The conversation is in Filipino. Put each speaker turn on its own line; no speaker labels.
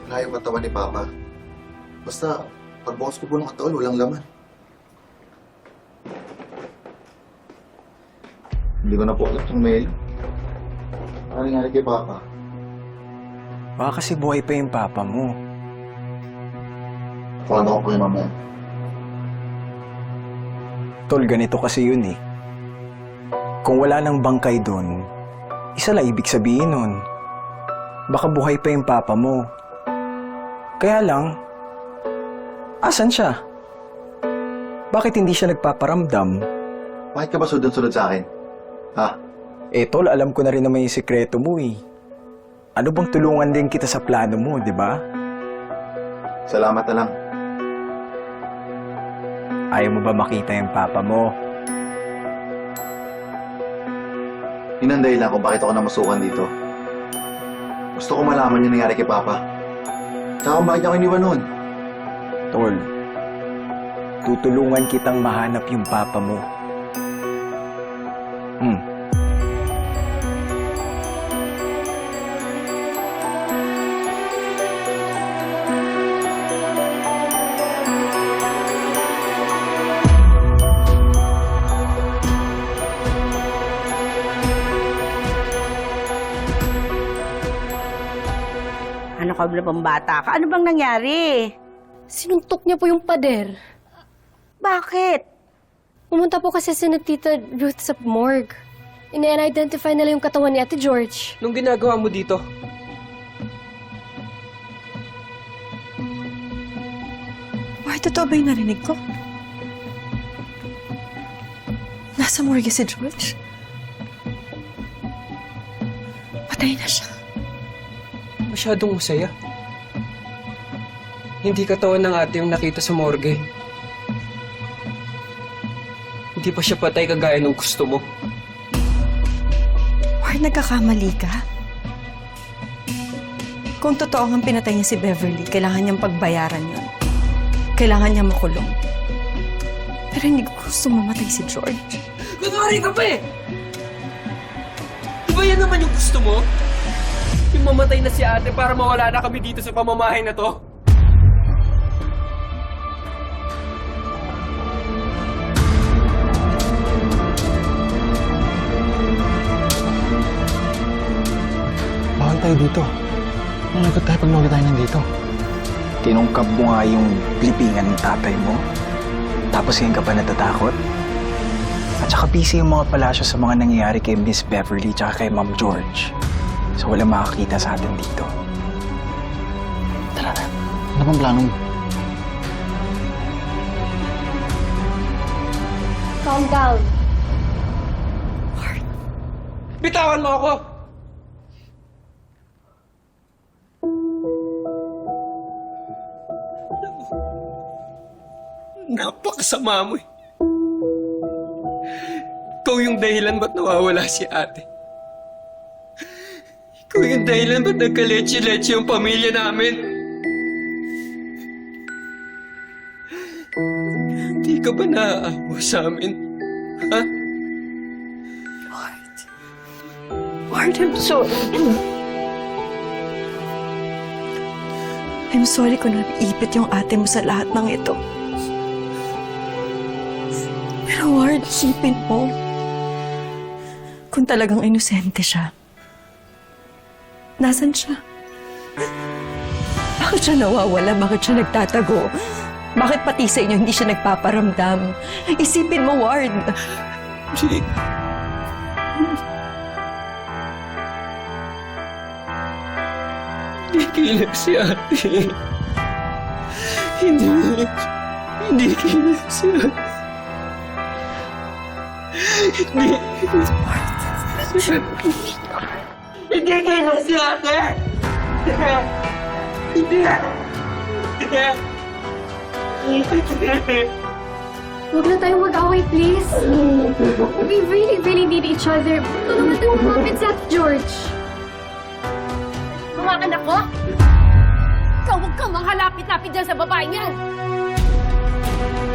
Wala yung katawan ni Papa. Basta, pagbukas ko po ng katawan, walang laman. Hindi ko na po alam itong mail. Ano nangyari kay Papa?
Baka kasi buhay pa yung papa mo.
Paano ko po yung mamaya?
Tol, ganito kasi yun eh. Kung wala nang bangkay doon, isa lang ibig sabihin nun. Baka buhay pa yung papa mo. Kaya lang, asan siya? Bakit hindi siya nagpaparamdam?
Bakit ka ba sunod-sunod sa akin? Ha?
Eh tol, alam ko na rin naman yung sikreto mo eh. Ano bang tulungan din kita sa plano mo, di ba?
Salamat na lang.
Ayaw mo ba makita yung papa mo?
Yun ang dahilan kung bakit ako namasukan dito. Gusto ko malaman yung nangyari kay Papa. Tsaka kung bakit ako iniwan noon.
Tol, tutulungan kitang mahanap yung papa mo.
Ano ka ba pang bata ka? Ano bang nangyari?
Sinuntok niya po yung pader.
Bakit?
Pumunta po kasi si Tita Ruth sa morgue. Ina-identify nila yung katawan ni Ate George.
Nung ginagawa mo dito?
Why, totoo ba yung narinig ko? Nasa morgue si George? Patay na siya.
Masyadong masaya. Hindi katawan ng ate yung nakita sa morgue. Hindi pa siya patay kagaya ng gusto mo.
Why, nagkakamali ka? Kung totoo ang pinatay niya si Beverly, kailangan niyang pagbayaran yun. Kailangan niya makulong. Pero hindi ko gusto mamatay si George.
Kunwari ka pa eh! Di ba yan naman yung gusto mo? Yung mamatay na si ate para mawala na kami dito sa pamamahay na to?
Bawal tayo dito. Nalagot tayo pag nawala tayo nandito. Tinungkab mo nga yung blipingan ng tatay mo. Tapos ngayon ka pa natatakot? At saka busy yung mga palasyo sa mga nangyayari kay Miss Beverly tsaka kay Ma'am George. So walang makakita sa atin dito.
Tara na. Ano bang plano mo?
Calm down.
Bitawan mo ako! Napakasama mo eh. Ikaw yung dahilan ba't nawawala si ate. Ikaw yung dahilan ba't nagka-leche-leche yung pamilya namin. Hindi ka ba naaawa sa amin? Ha?
Ward, I'm sorry. I'm sorry kung nag-ipit yung ate mo sa lahat ng ito. Pero Ward, isipin mo. Kung talagang inosente siya, nasan siya? Bakit siya nawawala? Bakit siya nagtatago? Bakit pati sa inyo hindi siya nagpaparamdam? Isipin mo, Ward.
Jake. Hindi kilig si ate. Hindi kilig si ate. Hindi kilig si ate.
Huwag na tayong mag-away, please. We really need each other. Tulungan tayo umapit si Ate George.
Mga anak ko? Ikaw huwag kang manghalapit-lapit dyan sa babaeng yan!